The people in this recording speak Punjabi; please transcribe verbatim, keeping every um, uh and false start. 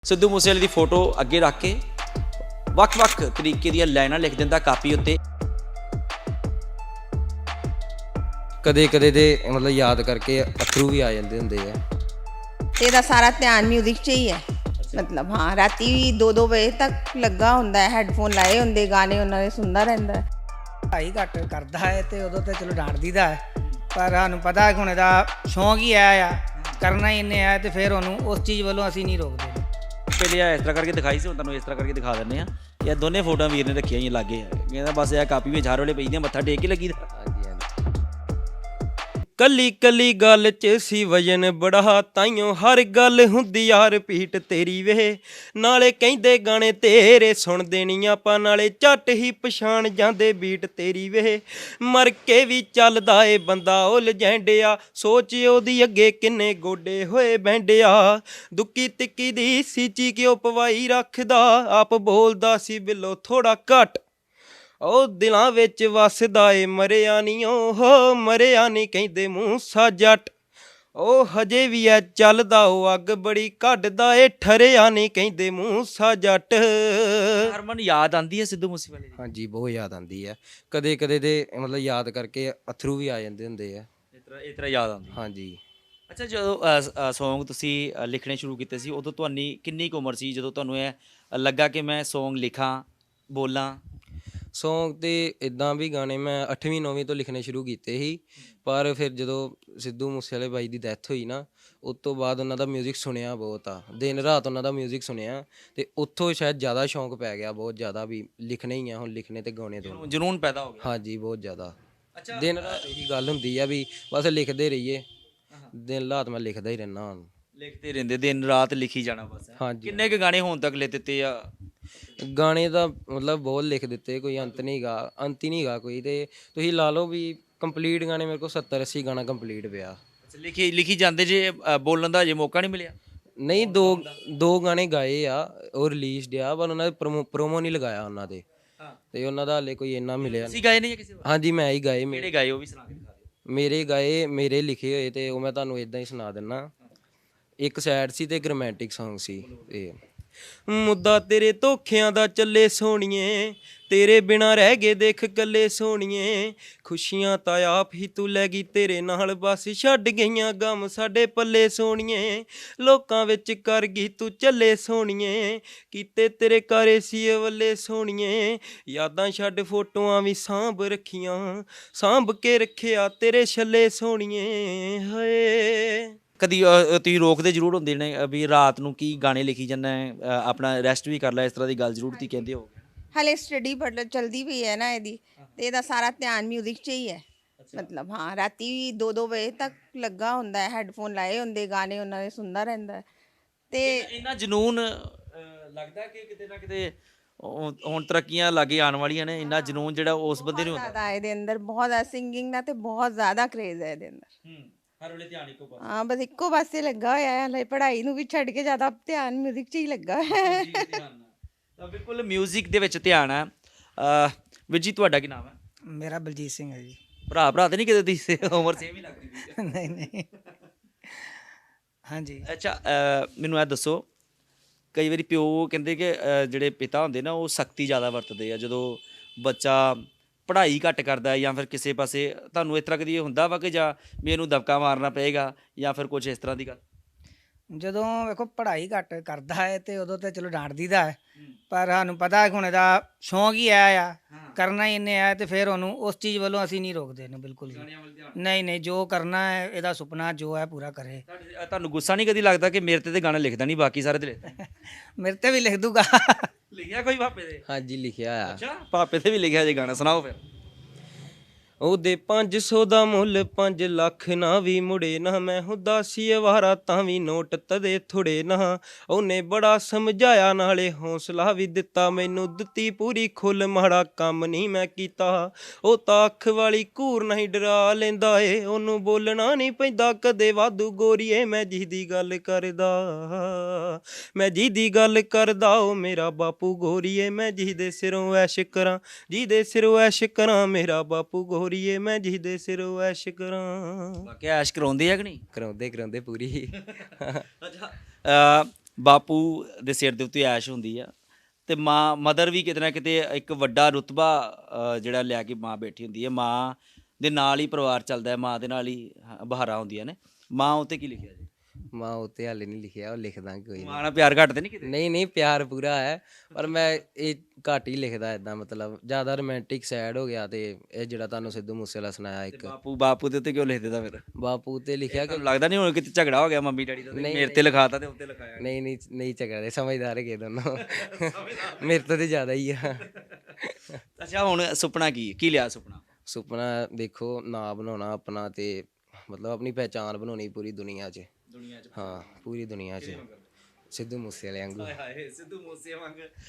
ਸਿੱਧੂ ਮੂਸੇਵਾਲੇ ਦੀ ਫੋਟੋ ਅੱਗੇ ਰੱਖ ਕੇ ਵੱਖ-ਵੱਖ ਤਰੀਕੇ ਦੀਆਂ ਲਾਈਨਾਂ ਲਿਖ ਦਿੰਦਾ ਕਾਪੀ ਉੱਤੇ। ਕਦੇ ਕਦੇ ਦੇ मतलब याद करके अथरू भी आ जाते होंगे है। तेरा सारा ध्यान म्यूजिक च ही है। मतलब हाँ राती दो दो बजे तक लगा होंदा है, हैडफोन लाए होंदे, गाने उन्होंने सुनता रहता है। पढ़ाई घट करता है तो उदों तो चलो डांट दीदा है, पर सानू पता है कि हुण इहदा शौक ही है आ करना ही इन्हें है, तो फिर उन्होंने उस चीज़ वालों असीं नहीं रोकते। पहले आ इस तरह करके दिखाई सी, तुहानूं इस तरह करके दिखा दिंदे आ। यह दोनों फोटो वीर ने रखियां ही लागे, कहंदा बस यह कापी में झार वाले पई दी मत्था टेक के लगी दा। हाँ जी हाँ जी। कली कली गल च सी वजन बड़ा, ताइयों हर गल हुंदी यार पीट तेरी वे। नाले कहंदे गाने तेरे सुन देनी आपां, नाले झट ही पछाण जांदे बीट तेरी वे। मर के भी चलदा ए बंदा ओ लजैंडिया, सोच ओदी अगे किन्ने गोडे होए बैंडिया। दुक्की तिक्की दी सीची क्यों पवाई रखदा, आप बोलदा सी बिलो थोड़ा घट। ओ दिलां विच वसदा ए मरिया नी ओ, मरिया नी कहंदे मूसा जट। ओ हजे भी ऐ चलदा ओ अग बड़ी कढदा ए, ठरिया नी कहंदे मूसा जट। हरमन याद आंदी है सिद्धू मूसेवाले दी? हाँ जी बहुत याद आती है। कदे कदे दे मतलब याद करके अथरू भी आ जाते होंगे है। ਇਸ ਤਰ੍ਹਾਂ ਇਸ ਤਰ੍ਹਾਂ ਯਾਦ ਆਉਂਦੀ। हाँ जी। ਅੱਛਾ, ਜਦੋਂ ਸੌਂਗ ਤੁਸੀਂ ਅ, ਲਿਖਣੇ ਸ਼ੁਰੂ ਕੀਤੇ ਸੀ ਉਦੋਂ ਤੁਹਾਡੀ ਕਿੰਨੀ ਕੁ ਉਮਰ ਸੀ ਜਦੋਂ ਤੁਹਾਨੂੰ ਇਹ ਲੱਗਾ ਕਿ ਮੈਂ ਸੌਂਗ ਲਿਖਾਂ ਬੋਲਾਂ? ਸੌਂਗ ਤੇ ਇਦਾਂ ਵੀ ਗਾਣੇ ਮੈਂ ਅੱਠਵੀਂ ਨੌਵੀਂ ਤੋਂ ਲਿਖਣੇ ਸ਼ੁਰੂ ਕੀਤੇ ਸੀ, ਪਰ ਫਿਰ ਜਦੋਂ ਸਿੱਧੂ ਮੂਸੇਵਾਲੇ ਬਾਈ ਦੀ ਡੈਥ ਹੋਈ ਨਾ, ਉਸ ਤੋਂ ਬਾਅਦ ਉਹਨਾਂ ਦਾ ਮਿਊਜ਼ਿਕ ਸੁਣਿਆ ਬਹੁਤ ਆ, ਦਿਨ ਰਾਤ ਉਹਨਾਂ ਦਾ ਮਿਊਜ਼ਿਕ ਸੁਣਿਆ, ਤੇ ਉੱਥੋਂ ਸ਼ਾਇਦ ਜ਼ਿਆਦਾ ਸ਼ੌਂਕ ਪੈ ਗਿਆ ਬਹੁਤ ਜ਼ਿਆਦਾ ਵੀ ਲਿਖਣੇ ਹੀ ਆ ਹੁਣ, ਲਿਖਣੇ ਤੇ ਗਾਉਣੇ ਤੋਂ। ਜਨੂਨ ਪੈਦਾ ਹੋ ਗਿਆ। ਹਾਂਜੀ ਬਹੁਤ ਜ਼ਿਆਦਾ। ਅੱਛਾ, ਦਿਨ ਰਾਤ ਇਹੀ ਗੱਲ ਹੁੰਦੀ ਆ ਵੀ ਬਸ ਲਿਖਦੇ ਰਹੀਏ, ਦਿਨ ਰਾਤ ਮੈਂ ਲਿਖਦਾ ਹੀ ਰਹਿਣਾ ਹੁਣ। ਲਿਖਦੇ ਰਹਿੰਦੇ ਦਿਨ ਰਾਤ ਲਿਖੀ ਜਾਣਾ ਬਸ। ਹਾਂਜੀ। ਕਿੰਨੇ ਕੁ ਗਾਣੇ ਹੁਣ ਤੱਕ ਲਿਖ ਦਿੱਤੇ ਆ? ਗਾਣੇ ਦਾ ਮਤਲਬ ਬਹੁਤ ਲਿਖ ਦਿੱਤੇ, ਕੋਈ ਅੰਤ ਨਹੀਂ ਗਾ, ਅੰਤ ਹੀ ਨਹੀਂ ਗਾ ਕੋਈ, ਤੇ ਤੁਸੀਂ ਲਾ ਲਓ ਵੀ ਕੰਪਲੀਟ ਗਾਣੇ ਮੇਰੇ ਕੋਲ ਸੱਤਰ ਅੱਸੀ ਗਾਣਾ ਕੰਪਲੀਟ ਪਿਆ। ਅੱਛਾ, ਲਿਖੀ ਲਿਖੀ ਜਾਂਦੇ ਜੇ ਅ, ਬੋਲਣ ਦਾ ਜੇ ਮੌਕਾ ਨਹੀਂ ਮਿਲਿਆ? ਨਹੀਂ, ਦੋ ਦੋ ਗਾਣੇ ਗਾਏ ਆ, ਉਹ ਰਿਲੀਜ਼ਡ ਆ, ਪਰ ਉਹਨਾਂ ਦੇ ਪ੍ਰੋਮੋ ਪ੍ਰੋਮੋ ਨਹੀਂ ਲਗਾਇਆ ਉਹਨਾਂ ਦੇ, ਹਾਂ, ਤੇ ਉਹਨਾਂ ਦਾ ਹਾਲੇ ਕੋਈ ਇੰਨਾ ਮਿਲਿਆ ਤੁਸੀਂ ਨਹੀਂ। ਗਾਏ ਨਹੀਂ ਜਾਂ ਕਿਸੇ ਹੋਰ? ਹਾਂਜੀ ਮੈਂ ਹੀ ਗਾਏ, ਕਿਹੜੇ ਮੇਰੇ ਗਾਏ ਉਹ ਵੀ ਸੁਣਾ ਕੇ ਦਿਖਾ ਦਿਓ। ਮੇਰੇ ਗਾਏ, ਮੇਰੇ ਲਿਖੇ ਹੋਏ, ਤੇ ਉਹ ਮੈਂ ਤੁਹਾਨੂੰ ਇਦਾਂ ਹੀ ਸੁਣਾ ਦਿੰਦਾ। ਇੱਕ ਸੈਡ ਸੀ ਤੇ ਇੱਕ ਰੋਮਾਂਟਿਕ ਸੌਂਗ ਸੀ। ਤੇ ਮੁੱਦਾ ਤੇਰੇ ਧੋਖਿਆਂ ਦਾ ਚੱਲੇ ਸੋਹਣੀਏ, ਤੇਰੇ ਬਿਨਾ ਰਹਿ ਗਏ ਦੇਖ ਕੱਲੇ ਸੋਹਣੀਏ। ਖੁਸ਼ੀਆਂ ਤਾਂ ਆਪ ਹੀ ਤੂੰ ਲੈ ਗਈ ਤੇਰੇ ਨਾਲ, ਬਸ ਛੱਡ ਗਈਆਂ ਗਮ ਸਾਡੇ ਪੱਲੇ ਸੋਹਣੀਏ। ਲੋਕਾਂ ਵਿੱਚ ਕਰ ਗਈ ਤੂੰ ਚੱਲੇ ਸੋਹਣੀਏ, ਕੀਤੇ ਤੇਰੇ ਕਾਰੇ ਸੀ ਵੱਲੇ ਸੋਹਣੀਏ। ਯਾਦਾਂ ਛੱਡ ਫੋਟੋਆਂ ਵੀ ਸਾਂਭ ਰੱਖੀਆਂ, ਸਾਂਭ ਕੇ ਰੱਖਿਆ ਤੇਰੇ ਛੱਲੇ ਸੋਹਣੀਏ ਹਾਏ। ਕਦੀ ਅ, ਤੁਸੀਂ ਰੋਕਦੇ ਜ਼ਰੂਰ ਹੁੰਦੇ ਨੇ ਅ, ਵੀ ਰਾਤ ਨੂੰ ਕੀ ਗਾਣੇ ਲਿਖੀ ਜਾਂਦਾ ਹੈ, ਅ, ਆਪਣਾ ਰੈਸਟ ਵੀ ਕਰ ਲੈ, ਇਸ ਤਰ੍ਹਾਂ ਦੀ ਗੱਲ ਜ਼ਰੂਰ ਤੁਸੀਂ ਕਹਿੰਦੇ ਹੋ? हाले स्टडी पढ़ चलती भी है ना ਇਹਦੀ, ਤੇ ਇਹਦਾ ਸਾਰਾ ਧਿਆਨ ਮਿਊਜ਼ਿਕ 'ਚ ਹੀ ਹੈ। ਮਤਲਬ ਹਾਂ ਰਾਤੀ ਦੋ ਦੋ ਵਜੇ ਤੱਕ ਲੱਗਾ ਹੁੰਦਾ ਹੈ, ਹੈਡਫੋਨ ਲਾਏ ਹੁੰਦੇ, ਗਾਣੇ ਉਹਨਾਂ ਦੇ ਸੁਣਦਾ ਰਹਿੰਦਾ ਹੈ। ਤੇ ਇੰਨਾ ਜਨੂਨ ਅ, ਲੱਗਦਾ ਕਿ ਕਿਤੇ ਨਾ ਕਿਤੇ ਉਹ- ਹੁਣ ਤਰੱਕੀਆਂ ਲਾਗੇ ਆਉਣ ਵਾਲੀਆਂ ਨੇ, ਇੰਨਾ ਜਨੂਨ ਜਿਹੜਾ ਉਸ ਬੰਦੇ ਨੂੰ ਹੁੰਦਾ। ਜ਼ਿਆਦਾ ਇਹਦੇ ਅੰਦਰ ਬਹੁਤ ਜ਼ਿਆਦਾ ਸਿੰਗਿੰਗ ਦਾ ਤੇ ਬਹੁਤ ਜ਼ਿਆਦਾ ਕਰੇਜ਼ ਹੈ ਇਹਦੇ ਅੰਦਰ। ਹੂੰ, ਹਰ ਵੇਲੇ ਧਿਆਨ ਇੱਕੋ ਪਾਸੇ। ਹਾਂ ਬਸ ਇੱਕੋ ਪਾਸੇ ਲੱਗਾ ਹੋਇਆ ਹੈ, ਹਲੇ ਪੜ੍ਹਾਈ ਨੂੰ ਵੀ ਛੱਡ ਕੇ ਜ਼ਿਆਦਾ ਧਿਆਨ ਮਿਊਜ਼ਿਕ 'ਚ ਹੀ ਲੱਗਾ ਹੈ। ਜੀ, ਧਿਆਨ ਨਾਲ। ਤਾਂ ਬਿਲਕੁਲ ਮਿਊਜ਼ਿਕ ਦੇ ਵਿੱਚ ਧਿਆਨ ਹੈ। ਅ, ਵੀਰ ਜੀ ਤੁਹਾਡਾ ਕੀ ਨਾਮ ਹੈ? मेरा बलजीत सिंह है जी। ਭਰਾ ਭਰਾ ਤੇ ਨਹੀਂ ਕਿਤੇ ਤੁਸੀਂ ਉਮਰ ਸੇਮ ਹੀ ਲੱਗਦੀ ਸੀ? नहीं नहीं। हाँ जी। ਅੱਛਾ, ਅ, ਮੈਨੂੰ ਇਹ ਦੱਸੋ, ਕਈ ਵਾਰੀ ਪਿਓ ਕਹਿੰਦੇ ਕਿ ਅ, ਜਿਹੜੇ ਪਿਤਾ ਹੁੰਦੇ ਨਾ ਉਹ ਸਖਤੀ ਜ਼ਿਆਦਾ ਵਰਤਦੇ ਆ ਜਦੋਂ ਬੱਚਾ ਪੜ੍ਹਾਈ ਘੱਟ ਕਰਦਾ ਜਾਂ ਫਿਰ ਕਿਸੇ ਪਾਸੇ। ਤੁਹਾਨੂੰ ਇਸ ਤਰ੍ਹਾਂ ਕਦੀ ਇਹ ਹੁੰਦਾ ਵਾ ਕਿ ਜਾਂ ਵੀ ਇਹਨੂੰ ਦਬਕਾ ਮਾਰਨਾ ਪਏਗਾ ਜਾਂ ਫਿਰ ਕੁਝ ਇਸ ਤਰ੍ਹਾਂ ਦੀ ਗੱਲ? ਜਦੋਂ ਵੇਖੋ ਪੜ੍ਹਾਈ ਘੱਟ ਕਰਦਾ ਹੈ ਤੇ ਉਦੋਂ ਤੇ ਚਲੋ ਡਾਂਟ ਦੀਦਾ ਹੈ, ਪਰ ਸਾਨੂੰ ਪਤਾ ਹੈ ਕਿ ਹੁਣ ਇਹਦਾ ਸ਼ੌਂਕ ਹੀ ਹੈ ਆ ਕਰਨਾ ਹੀ ਇਹਨੇ ਹੈ, ਤੇ ਫਿਰ ਉਹਨੂੰ ਉਸ ਚੀਜ਼ ਵੱਲੋਂ ਅਸੀਂ ਨਹੀਂ ਰੋਕਦੇ ਇਹਨੂੰ ਬਿਲਕੁਲ ਵੀ। ਨਹੀਂ ਨਹੀਂ, ਜੋ ਕਰਨਾ ਹੈ ਇਹਦਾ ਸੁਪਨਾ ਜੋ ਹੈ ਪੂਰਾ ਕਰੇ। ਤੁਹਾਡੇ- ਅ, ਤੁਹਾਨੂੰ ਗੁੱਸਾ ਨਹੀਂ ਕਦੀ ਲੱਗਦਾ ਕਿ ਮੇਰੇ ਤੇ ਤੇ ਗਾਣਾ ਲਿਖਦਾ ਨਹੀਂ, ਬਾਕੀ ਸਾਰੇ ਤੇ ਲਿਖਦਾ? ਮੇਰੇ ਤੇ ਵੀ ਲਿਖ ਦੂਗਾ। ਲਿਖਿਆ ਕੋਈ ਪਾਪੇ ਦੇ? ਹਾਂਜੀ ਲਿਖਿਆ ਆ। ਅੱਛਾ, ਪਾਪੇ ਤੇ ਵੀ ਲਿਖਿਆ ਜੇ ਗਾਣਾ, ਸੁਣਾਓ ਫਿਰ। ਉਹਦੇ ਪੰਜ ਸੌ ਦਾ ਮੁੱਲ ਪੰਜ ਲੱਖ ਨਾ ਵੀ ਮੁੜੇ ਨਾ, ਮੈਂ ਉਦਾਸੀ ਅਵਾਰਾ ਤਾਂ ਵੀ ਨੋਟ ਤਦੇ ਥੋੜੇ ਨਾ। ਉਹਨੇ ਬੜਾ ਸਮਝਾਇਆ ਨਾਲੇ ਹੌਸਲਾ ਵੀ ਦਿੱਤਾ, ਮੈਨੂੰ ਦਿੱਤੀ ਪੂਰੀ ਖੁੱਲ, ਮਾੜਾ ਕੰਮ ਨਹੀਂ ਮੈਂ ਕੀਤਾ। ਉਹ ਤਾਂ ਅੱਖ ਵਾਲੀ ਘੂਰ ਨਹੀਂ ਡਰਾ ਲੈਂਦਾ ਏ, ਉਹਨੂੰ ਬੋਲਣਾ ਨਹੀਂ ਪੈਂਦਾ ਕਦੇ ਵਾਧੂ ਗੋਰੀਏ। ਮੈਂ ਜਿਹਦੀ ਗੱਲ ਕਰਦਾ, ਮੈਂ ਜਿਹਦੀ ਗੱਲ ਕਰਦਾ ਉਹ ਮੇਰਾ ਬਾਪੂ ਗੋਰੀਏ। ਮੈਂ ਜਿਹਦੇ ਸਿਰੋਂ ਐਸ਼ ਕਰਾਂ, ਜਿਹਦੇ ਸਿਰੋਂ ਐਸ਼ ਕਰਾਂ, ਮੇਰਾ ਬਾਪੂ ਗੋਰੀਏ। ਮੈਂ ਜਿਹਦੇ ਸਿਰੋਂ ਐਸ਼ ਕਰਾਂ। ਵਾਕਿਆ ਐਸ਼ ਕਰਾਉਂਦੇ ਆ ਕਿ ਨਹੀਂ? ਕਰਾਉਂਦੇ ਕਰਾਉਂਦੇ ਪੂਰੀ। ਅੱਛਾ, ਅ, ਬਾਪੂ ਦੇ ਸਿਰ ਦੇ ਉੱਤੇ ਐਸ਼ ਹੁੰਦੀ ਆ ਤੇ ਮਾਂ ਮਦਰ ਵੀ ਕਿਤੇ ਨਾ ਕਿਤੇ ਇੱਕ ਵੱਡਾ ਰੁਤਬਾ ਅ, ਜਿਹੜਾ ਲਿਆ ਕੇ ਮਾਂ ਬੈਠੀ ਹੁੰਦੀ ਹੈ। ਮਾਂ ਦੇ ਨਾਲ ਹੀ ਪਰਿਵਾਰ ਚੱਲਦਾ ਹੈ, ਮਾਂ ਦੇ ਨਾਲ ਹੀ ਹਾਂ, ਬਹਾਰਾਂ ਹੁੰਦੀਆਂ ਨੇ। ਮਾਂ ਉੱਤੇ ਕੀ ਲਿਖਿਆ ਜੀ? ਮਾਂ ਉੱਤੇ ਹਾਲੇ ਨਹੀਂ ਲਿਖਿਆ, ਉਹ ਲਿਖ ਦਾਂਗੇ ਕੋਈ ਮਾਂ ਨਾਲ ਪਿਆਰ ਘੱਟ ਤੇ ਨਹੀਂ ਕਿਤੇ? ਨਹੀਂ ਨਹੀਂ ਪਿਆਰ ਪੂਰਾ ਹੈ, ਪਰ ਮੈਂ ਇਹ ਘੱਟ ਹੀ ਲਿਖਦਾ ਇਦਾਂ, ਮਤਲਬ ਜ਼ਿਆਦਾ ਰੋਮਾਂਟਿਕ ਸੈਡ ਹੋ ਗਿਆ। ਤੇ ਇਹ ਜਿਹੜਾ ਤੁਹਾਨੂੰ ਸਿੱਧੂ ਮੂਸੇਵਾਲਾ ਸੁਣਾਇਆ ਇੱਕ ਬਾਪੂ ਬਾਪੂ ਦੇ ਉੱਤੇ ਕਿਉਂ ਲਿਖ ਦਿੱਤਾ ਫਿਰ? ਬਾਪੂ ਤੇ ਲਿਖਿਆ ਕਿ ਤੁਹਾਨੂੰ ਲੱਗਦਾ ਨਹੀਂ ਹੁਣ ਕਿਤੇ ਝਗੜਾ ਹੋ ਗਿਆ ਮੰਮੀ ਡੈਡੀ ਦਾ ਤੇ ਮੇਰੇ ਤੇ ਲਿਖਾਤਾ ਤੇ ਉੱਤੇ ਲਿਖਾਇਆ? ਨਹੀਂ ਨਹੀਂ ਨਹੀਂ ਝਗੜਦੇ, ਸਮਝਦਾਰ ਹੈਗੇ ਦੋਨੋਂ ਮੇਰੇ ਤੋਂ ਤੇ ਜ਼ਿਆਦਾ ਹੀ ਆ। ਅੱਛਾ ਹੁਣ ਸੁਪਨਾ ਕੀ ਕੀ ਲਿਆ ਸੁਪਨਾ? ਸੁਪਨਾ ਦੇਖੋ ਨਾਂ ਬਣਾਉਣਾ ਆਪਣਾ, ਤੇ ਮਤਲਬ ਆਪਣੀ ਪਹਿਚਾਣ ਬਣਾਉਣੀ ਪੂਰੀ ਦੁਨੀਆ 'ਚ। ਦੁਨੀਆ 'ਚ ਹਾਂ ਪੂਰੀ ਦੁਨੀਆ 'ਚ ਸਿੱਧੂ ਮੂਸੇਵਾਲੇ ਵਾਂਗੂ। ਹਾਏ ਸਿੱਧੂ ਮੂਸੇ ਵਾਂਗ